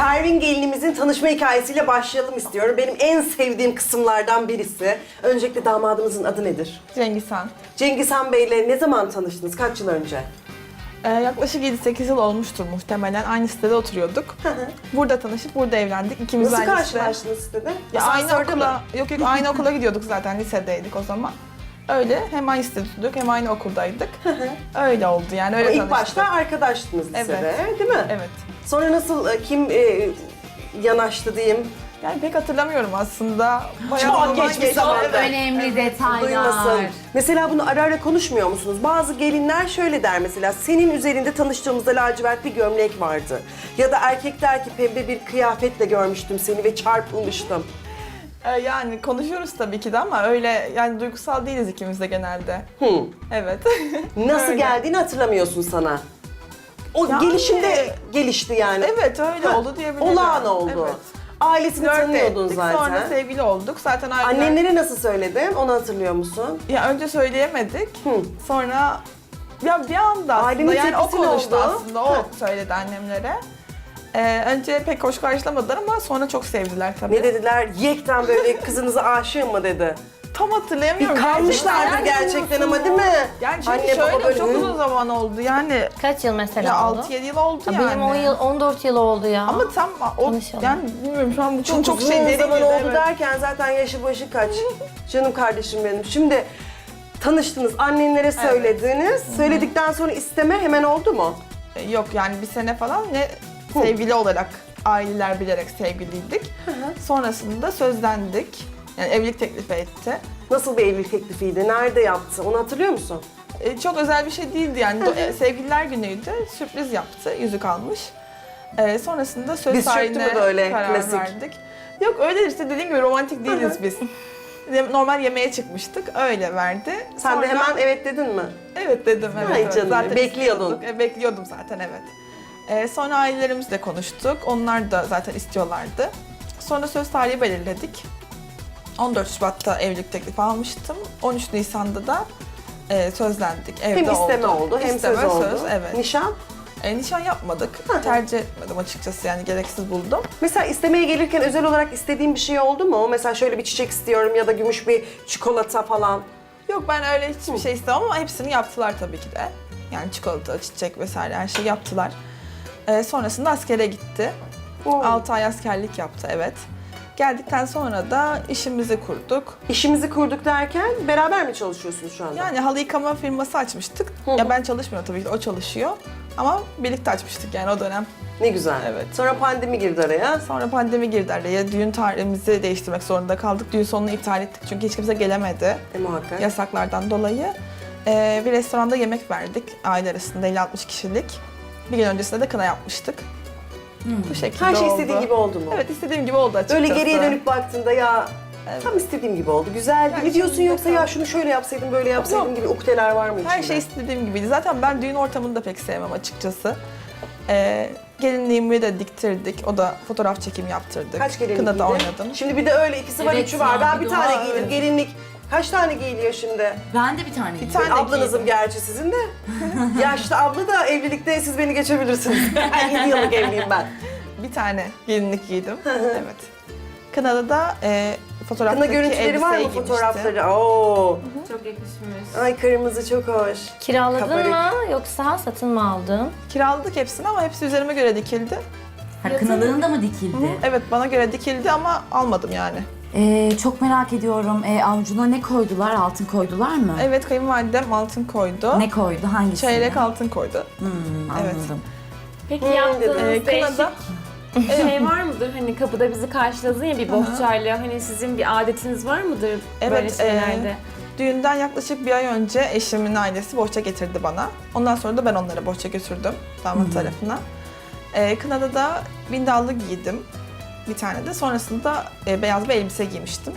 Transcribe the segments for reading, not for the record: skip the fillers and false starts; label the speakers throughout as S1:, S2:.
S1: Pervin gelinimizin tanışma hikayesiyle başlayalım istiyorum. Benim en sevdiğim kısımlardan birisi. Öncelikle damadımızın adı nedir?
S2: Cengiz Han.
S1: Cengiz Han Bey'le ne zaman tanıştınız? Kaç yıl önce?
S2: Yaklaşık 7-8 yıl olmuştur muhtemelen. Aynı sitede oturuyorduk. Burada tanışıp burada evlendik. İkimiz
S1: Nasıl
S2: aynı site.
S1: karşılaştınız sitede?
S2: Ya aynı
S1: Asansörde mi?
S2: okula, yok aynı okula gidiyorduk zaten, lisedeydik o zaman. Öyle hem aynı sitede tutuyorduk hem aynı okuldaydık. Öyle oldu yani, öyle
S1: İlk
S2: tanıştık.
S1: başta arkadaştınız lisede,
S2: Evet.
S1: değil mi?
S2: Evet.
S1: Sonra nasıl, kim yanaştı diyeyim?
S2: Yani pek hatırlamıyorum aslında.
S1: Çok
S2: zaman
S1: geçmiş
S2: geçti.
S1: zaman.
S3: Çok önemli detaylar.
S1: Duymasın. Mesela bunu ara ara konuşmuyor musunuz? Bazı gelinler şöyle der mesela, senin üzerinde tanıştığımızda lacivert bir gömlek vardı. Ya da erkek der ki pembe bir kıyafetle görmüştüm seni ve çarpılmıştım.
S2: Yani konuşuyoruz tabii ki de ama öyle yani duygusal değiliz ikimiz de genelde. Evet.
S1: Nasıl
S2: Öyle.
S1: geldiğini hatırlamıyorsun sana. O
S2: Yani-
S1: gelişimde gelişti yani.
S2: Evet öyle
S1: Ha,
S2: oldu diyebilirim.
S1: Olağan oldu.
S2: Evet.
S1: Ailesini
S2: Flört
S1: tanıyordun
S2: ettik,
S1: zaten.
S2: sonra sevgili olduk. Zaten aileler...
S1: Annenlere nasıl söyledin? Onu hatırlıyor musun?
S2: Ya önce söyleyemedik. Sonra ya bir anda aslında
S1: Ailenin
S2: yani o
S1: tepkisi ne
S2: konuştu
S1: oldu?
S2: aslında. O söyledi annemlere. Önce pek hoş karşılamadılar ama sonra çok sevdiler tabii.
S1: Ne dediler? Yekten böyle kızınıza aşığım mı dedi.
S2: Tam hatırlayamıyorum.
S1: Bir kalmışlardır gerçekten ama değil mi?
S2: Yani çünkü
S1: Anne, baba
S2: şöyle
S1: böyle,
S2: çok
S1: hı.
S2: uzun zaman oldu yani.
S3: Kaç yıl mesela
S2: Ya
S3: oldu?
S2: 6-7 yıl oldu
S3: Ha,
S2: yani.
S3: Benim 10 yıl, 14 yıl oldu ya.
S2: Ama tam o
S3: Tanışalım.
S2: yani bilmiyorum şu an bu çok
S1: Uzun
S2: şey derin
S1: zaman
S2: girdi,
S1: oldu
S2: evet.
S1: derken zaten yaşı başı kaç? Canım kardeşim benim. Şimdi tanıştınız, annenlere söylediniz. Söyledikten sonra isteme hemen oldu mu?
S2: Yok yani bir sene falan ne sevgili olarak aileler bilerek sevgiliydik. Sonrasında sözlendik. Yani evlilik teklifi etti.
S1: Nasıl bir evlilik teklifiydi? Nerede yaptı? Onu hatırlıyor musun?
S2: Çok özel bir şey değildi yani. Sevgililer günüydü. Sürpriz yaptı. Yüzük almış. Sonrasında söz
S1: Diz çöktü
S2: tarihine
S1: mü böyle,
S2: karar
S1: klasik?
S2: verdik. Yok öyle işte dediğim gibi romantik değiliz biz. Normal yemeğe çıkmıştık. Öyle verdi.
S1: Sen
S2: Sonra-
S1: de hemen evet dedin mi?
S2: Evet dedim. Evet,
S1: Ay
S2: evet.
S1: canım, bekliyordun.
S2: istiyorduk. Bekliyordum zaten evet. Sonra ailelerimizle konuştuk. Onlar da zaten istiyorlardı. Sonra söz tarihi belirledik. 14 Şubat'ta evlilik teklifi almıştım. 13 Nisan'da da sözlendik. Evde
S1: Hem isteme oldu, hem
S2: İsteme,
S1: söz oldu.
S2: evet.
S1: Nişan?
S2: Nişan yapmadık. Tercih etmedim açıkçası yani gereksiz buldum.
S1: Mesela istemeye gelirken özel olarak istediğin bir şey oldu mu? Mesela şöyle bir çiçek istiyorum ya da gümüş bir çikolata falan.
S2: Yok ben öyle hiçbir şey istemem ama hepsini yaptılar tabii ki de. Yani çikolata, çiçek vesaire her şeyi yaptılar. Sonrasında askere gitti. 6 ay askerlik yaptı evet. Geldikten sonra da işimizi kurduk.
S1: İşimizi kurduk derken beraber mi çalışıyorsunuz şu anda?
S2: Yani halı yıkama firması açmıştık. Ya ben çalışmıyorum tabii ki de o çalışıyor. Ama birlikte açmıştık yani o dönem.
S1: Ne güzel.
S2: Evet.
S1: Sonra pandemi girdi araya.
S2: Sonra pandemi girdi araya. Düğün tarihimizi değiştirmek zorunda kaldık. Düğün sonunu iptal ettik çünkü hiç kimse gelemedi.
S1: Muhakkak.
S2: Yasaklardan dolayı. Bir restoranda yemek verdik aile arasında 50-60 kişilik. Bir gün öncesinde de kına yapmıştık. Bu şekilde
S1: Her şey
S2: oldu.
S1: istediğin gibi oldu mu?
S2: Evet istediğim gibi oldu açıkçası.
S1: Öyle geriye dönüp baktığında ya
S2: Evet.
S1: tam istediğim gibi oldu. Güzeldi
S2: Her
S1: mi diyorsun
S2: şey
S1: yoksa
S2: güzel.
S1: ya şunu şöyle yapsaydım böyle yapsaydım
S2: Yok.
S1: gibi ukdeler var mı içinde?
S2: Her şey istediğim gibiydi. Zaten ben düğün ortamını da pek sevmem açıkçası. Gelinliğimi de diktirdik. O da fotoğraf çekimi yaptırdık.
S1: Kaç gelinlik
S2: Kınada
S1: giydin?
S2: oynadım.
S1: Şimdi bir de öyle ikisi var
S3: Evet
S1: üçü var.
S3: ya,
S1: Ben
S3: bir
S1: bir
S3: de
S1: tane
S3: var.
S1: giydim. Gelinlik kaç tane giyiliyor şimdi?
S3: Ben de bir tane
S2: Bir tane
S1: Ablanızım
S2: giydim.
S1: gerçi sizin de. Yaşlı abla da evlilikte siz beni geçebilirsiniz. 7 yıllık evliyim ben.
S2: Bir tane gelinlik giydim. Evet. Kınada da fotoğraftaki
S1: Kına görüntüleri var mı
S2: elbiseyi
S1: fotoğrafları? Oo.
S4: Çok yakışmış.
S1: Ay kırmızı çok hoş.
S3: Kiraladın
S1: Kabarık.
S3: mı yoksa satın mı aldın?
S2: Kiraladık hepsini ama hepsi üzerime göre dikildi.
S5: Ha, kınalığın da mı dikildi?
S2: Evet bana göre dikildi ama almadım yani.
S5: Çok merak ediyorum. Avucuna ne koydular? Altın koydular mı?
S2: Evet kayınvalidem altın koydu.
S5: Ne koydu? Hangisi?
S2: Çeyrek altın koydu. Evet.
S5: Anladım.
S4: Peki
S1: dedi.
S4: yaptığınız değişik
S2: Kınada
S4: şey var mıdır? Hani kapıda bizi karşıladın ya bir bohçayla. Hani sizin bir adetiniz var mıdır böyle
S2: Evet,
S4: şeylerde?
S2: düğünden yaklaşık bir ay önce eşimin ailesi bohça getirdi bana. Ondan sonra da ben onlara bohça götürdüm damat tarafına. Kınada da bindallı giydim bir tane de. Sonrasında beyaz bir elbise giymiştim.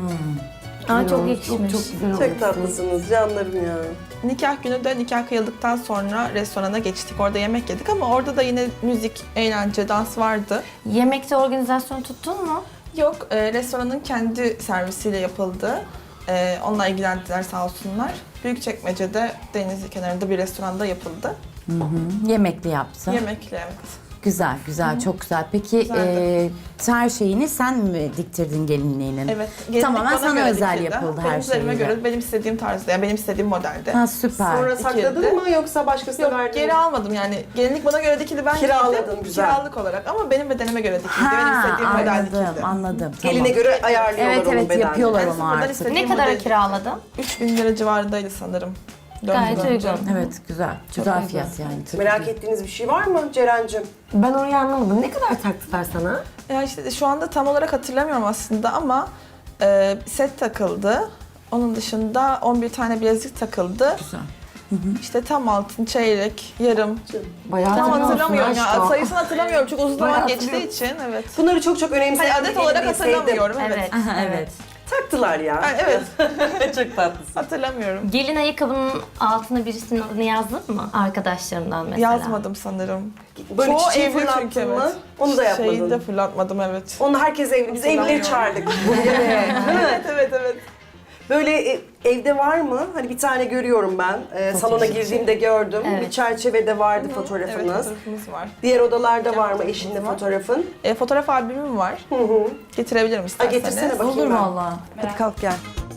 S3: Aa çok yakışmış.
S5: Çok güzel olmuş.
S1: Çok tatlısınız canlarım ya.
S2: Nikah günü de nikah kıyıldıktan sonra restorana geçtik. Orada yemek yedik ama orada da yine müzik, eğlence, dans vardı.
S3: Yemekte organizasyon tuttun mu?
S2: Yok, restoranın kendi servisiyle yapıldı. Onunla ilgilendiler sağ olsunlar. Büyükçekmece'de deniz kenarında bir restoranda yapıldı.
S5: Yemekli yaptı.
S2: Yemekle evet.
S5: Güzel, güzel, çok güzel. Peki her şeyini sen mi diktirdin gelinliğinin?
S2: Evet. gelinlik
S5: Tamamen
S2: bana
S5: sana
S2: göre
S5: özel
S2: dikildi.
S5: yapıldı
S2: Benim
S5: her
S2: üzerime
S5: şeyi.
S2: göre, benim istediğim tarzda, yani benim istediğim modelde.
S5: Ha süper.
S1: Sonra
S2: İkildi.
S1: sakladın mı yoksa başkasına
S2: Yok,
S1: verdin mi?
S2: geri almadım yani. Gelinlik bana göre dikildi, ben
S1: Kiraladın,
S2: giydim.
S1: güzel.
S2: Kiralık olarak ama benim bedenime göre dikildi. Benim istediğim model
S5: anladım,
S2: dikildi.
S5: anladım. Tamam.
S1: Eline göre ayarlıyorlar
S5: Evet
S1: onun
S5: evet
S1: bedenini.
S5: yapıyorlar
S2: Ben
S5: onu
S2: sıfırdan
S5: artık.
S2: istediğim
S3: Ne kadara
S2: modeli-
S3: kiraladın?
S2: 3000 lira civarındaydı sanırım.
S3: Gayet
S2: Döndü
S3: uygun.
S5: Evet güzel. Güzel fiyat yani.
S1: Merak ettiğiniz bir şey var mı Ceren'cim?
S6: Ben orayı anlamadım. Ne kadar taktılar sana?
S2: Ya işte şu anda tam olarak hatırlamıyorum aslında ama set takıldı. Onun dışında 11 tane bilezik takıldı.
S5: Güzel.
S2: İşte tam altın, çeyrek, yarım.
S6: Bayağı
S2: Tam
S6: hatırlıyorsun
S2: hatırlamıyorum ya.
S6: aşkım.
S2: Sayısını hatırlamıyorum çünkü uzun zaman
S6: Bayağı
S2: geçtiği için. Evet.
S1: Bunları çok çok önemsedim.
S2: Hani adet olarak hatırlamıyorum. Evet.
S3: Evet.
S5: Aha, evet.
S1: Taktılar ya.
S2: Ha, evet.
S1: Çok tatlısın.
S2: Hatırlamıyorum.
S3: Gelin ayakkabının altına birisinin adını yazdın mı? Arkadaşlarından mesela.
S2: Yazmadım sanırım.
S1: Böyle
S2: Çoğu
S1: çiçeği
S2: evli
S1: fırlattın
S2: çünkü,
S1: mı?
S2: evet.
S1: Onu da yapmadın.
S2: Şeyi de fırlatmadım, evet.
S1: Onu herkes evli. Biz evlileri çağırdık.
S2: Evet.
S1: Böyle evde var mı? Hani bir tane görüyorum ben. Salona girdiğimde gördüm.
S3: Evet.
S1: Bir çerçevede vardı
S2: Evet,
S1: fotoğrafınız.
S2: fotoğrafımız var.
S1: Diğer odalarda var mı
S2: fotoğrafımız
S1: eşinle
S2: var.
S1: fotoğrafın?
S2: Fotoğraf albümüm var. Getirebilirim
S1: Ha,
S2: isterseniz.
S1: getirsene bakayım
S5: Olur
S1: ben.
S5: valla.
S1: Hadi kalk gel.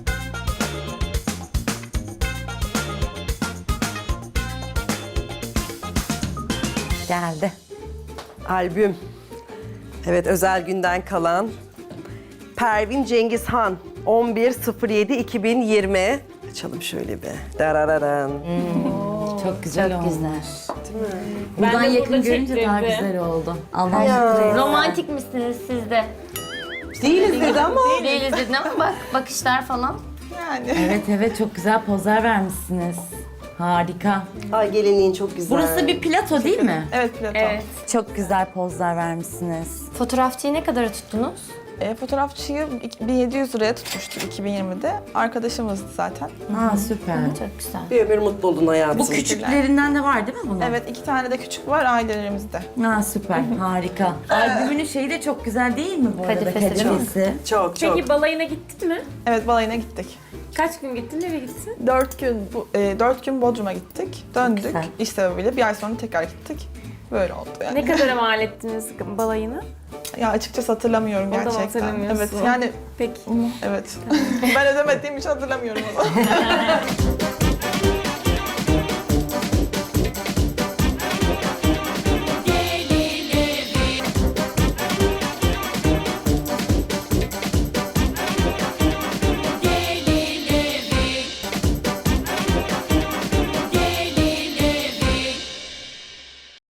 S5: Geldi.
S1: Albüm. Evet, özel günden kalan. Pervin Cengizhan 11.07.2020. Açalım şöyle bir. Darararan.
S5: Çok güzel
S3: Çok
S5: olmuş.
S3: güzel.
S5: Buradan
S4: de
S5: yakın
S4: burada
S5: görünce daha
S4: çektirdim.
S5: güzel oldu. Allah
S1: Ya.
S3: Romantik misiniz siz de?
S1: Değiliz dedi ama.
S3: Değiliz dedin ama bak bakışlar falan.
S2: Yani.
S5: Evet evet çok güzel pozlar vermişsiniz. Harika.
S1: Ay gelinliğin çok güzel.
S5: Burası bir plato değil mi?
S2: Evet, Platon.
S3: Evet.
S5: Çok güzel pozlar vermişsiniz.
S3: Fotoğrafçıyı ne kadara tuttunuz?
S2: Fotoğrafçıyı 1700 liraya tutmuştuk 2020'de. Arkadaşımızdı zaten.
S5: Ha süper.
S3: Çok güzel.
S1: Bir ömür mutlu oldun hayatım.
S5: Bu küçüklerinden de var değil mi bunun?
S2: Evet, 2 tane de küçük var ailelerimizde.
S5: Ha süper. Harika. Albümünün şeyi de çok güzel değil mi bu arada?
S3: Kadifesi çok.
S5: Kadifesi.
S1: Çok çok.
S4: Peki balayına gittin mi?
S2: Evet, balayına gittik.
S4: Kaç gün gittin, nereye gittin?
S2: 4 gün Bodrum'a gittik. Döndük.
S3: güzel.
S2: İş sebebiyle bir ay sonra tekrar gittik. Böyle oldu yani.
S4: Ne kadara mal ettiniz balayını?
S2: Ya açıkçası hatırlamıyorum
S4: O da mı
S2: gerçekten.
S4: hatırlamıyorsun?
S2: Evet, yani
S4: Peki.
S2: evet. Ben ödemediğim için hatırlamıyorum onu.